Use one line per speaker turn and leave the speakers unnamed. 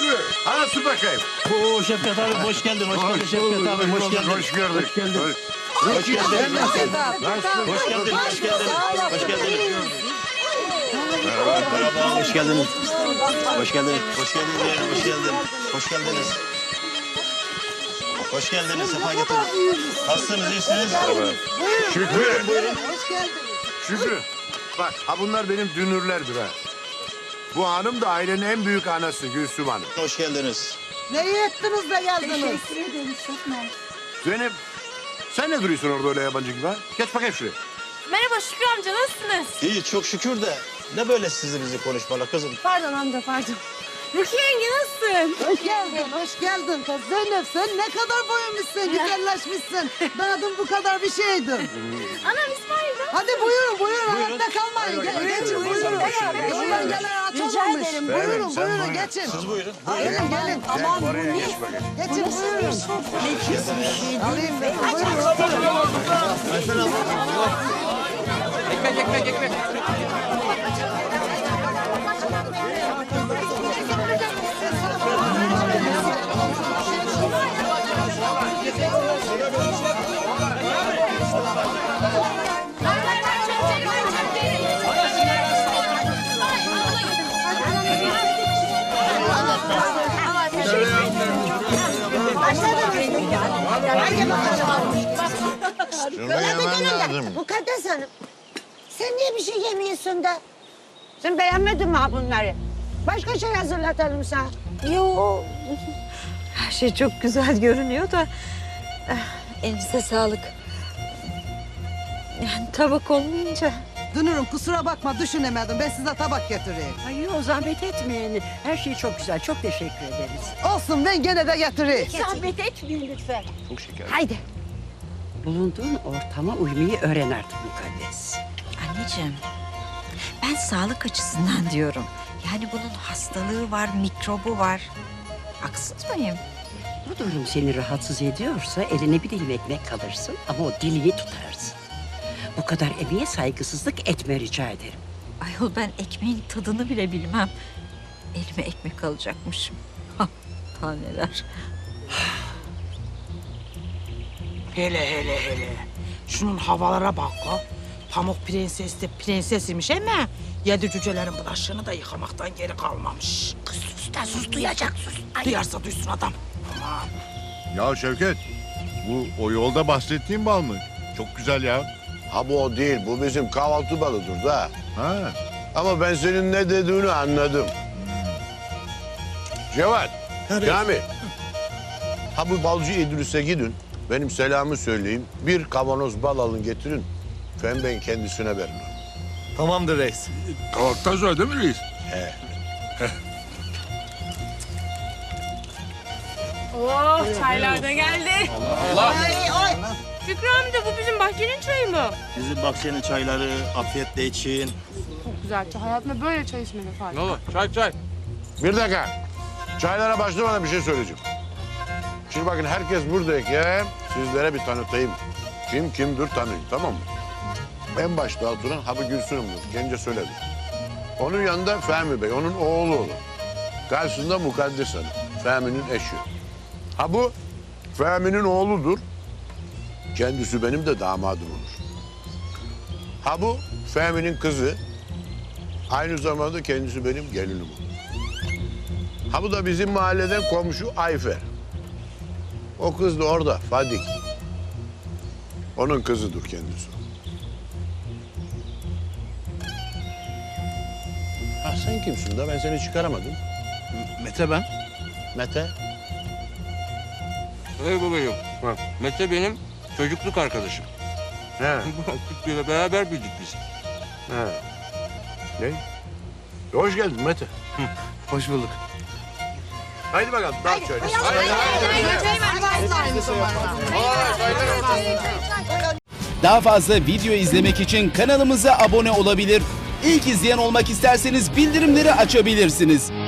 Şükrü, anası bakayım.
Oo Şefkat abi hoş geldin. Hoş geldin Şefkat abi. Hoş geldin.
Hoş gördük.
Hoş geldin.
Hoş geldin.
Hoş geldin. Hoş geldin. Hoş geldin. Merhaba. Hoş geldiniz. Hoş geldiniz. Hoş geldiniz. Hoş geldin. Hoş geldiniz. Hoş geldiniz. Sefa getirin. Nasılsınız? İyisiniz?
Şükrü,
Hoş geldiniz.
Şükrü. Bak, ha bunlar benim dünürlerdir ha. Bu hanım da ailenin en büyük anası Gülsüm Hanım.
Hoş geldiniz.
Ne iyi ettiniz de geldiniz.
Zeynep, sen ne duruyorsun orada öyle yabancı gibi ha? Geç bakayım şuraya.
Merhaba Şükrü amca, nasılsınız?
İyi çok şükür de ne böyle sizi bizi konuşmalar kızım.
Pardon amca, pardon. Rukiye yenge nasılsın?
Hoş geldin, hoş geldin kız. Zeynep sen ne kadar boyunmuşsun, güzelleşmişsin. Ben adım bu kadar bir şeydim.
Anam İsmail'de.
Hadi buyurun, ayakta kalmayın. Geçin, buyurun. Yoldan gelen aç olmamış. Buyurun,
sen
buyurun,
buyurun.
geçin.
Siz buyurun.
Gelin.
Aman oraya geç bakayım.
Geçin, buyurun. Alayım ben, buyurun.
Ekmek.
Şunu yemen lazım.
Mukaddes Hanım, sen niye bir şey yemiyorsun da? Sen beğenmedin mi ha bunları? Başka şey hazırlatalım sana.
Yo, her şey çok güzel görünüyor da elinize sağlık. Yani tabak olmayınca.
Dünürüm kusura bakma düşünemedim. Ben size tabak getireyim.
Ay yok zahmet etmeyin. Her şey çok güzel. Çok teşekkür ederiz.
Olsun ben gene de getireyim.
Zahmet etmeyin lütfen.
Çok şeker.
Haydi.
Bulunduğun ortama uymayı öğren artık Mukaddes.
Anneciğim, ben sağlık açısından diyorum. Yani bunun hastalığı var, mikrobu var. Haksız mıyım?
Bu durum seni rahatsız ediyorsa eline bir dilim ekmek kalırsın ama o dilini tutarsın. Bu kadar emeğe saygısızlık etme rica ederim.
Ayol ben ekmeğin tadını bile bilmem. Elime ekmek alacakmışım. Ha, taneler.
Hele. Şunun havalara bak o. Pamuk Prenses de prensesiymiş ama yedi cücelerin bulaşığını da yıkamaktan geri kalmamış.
Kız sus da sus, duyacak sus. Ay.
Duyarsa duysun adam. Aman.
Ya Şevket, bu o yolda bahsettiğin bal mı? Çok güzel ya.
Ha bu o değil, bu bizim kahvaltı balıdır da.
Ha.
Ama ben senin ne dediğini anladım. Cevat, Kamil. Ha bu balcı İdris'e gidin, benim selamı söyleyin. Bir kavanoz bal alın getirin. Ben kendisine verin onu.
Tamamdır reis.
Kahvaltıdan sonra değil mi reis?
Oh, çaylar da geldi. Şükrü amca, bu bizim bahçenin çayı mı?
Bizim bahçenin çayları afiyetle için.
Çok güzel çay. Hayatımda böyle çay içmedim Fatih.
Çay.
Bir dakika. Çaylara başlamadan bir şey söyleyeceğim. Şimdi bakın herkes buradayken sizlere bir tanıtayım. Kim kimdir tanıyın, tamam mı? En başta oturan Habı Gülsün'ümdür. Gence söyledi. Onun yanında Fehmi Bey, onun oğlu olur. Karşısında Mukaddes Hanım, Fehmi'nin eşi. Ha bu Fehmi'nin oğludur. Kendisi benim de damadım olur. Ha bu Fehmi'nin kızı. Aynı zamanda kendisi benim gelinim olur. Ha bu da bizim mahalleden komşu Ayfer. O kız da orada, Fadik. Onun kızıdır kendisi. Ha sen kimsin de ben seni çıkaramadım.
Mete ben.
Mete.
Hey babacığım. Mete benim çocukluk arkadaşım.
He.
Küçüklüğüyle beraber büyüdük biz.
He. Ne? Hoş geldin Mete.
Hoş bulduk.
Haydi bakalım, dağıt şöyle.
Daha fazla video izlemek için kanalımıza abone olabilir. İlk izleyen olmak isterseniz bildirimleri açabilirsiniz.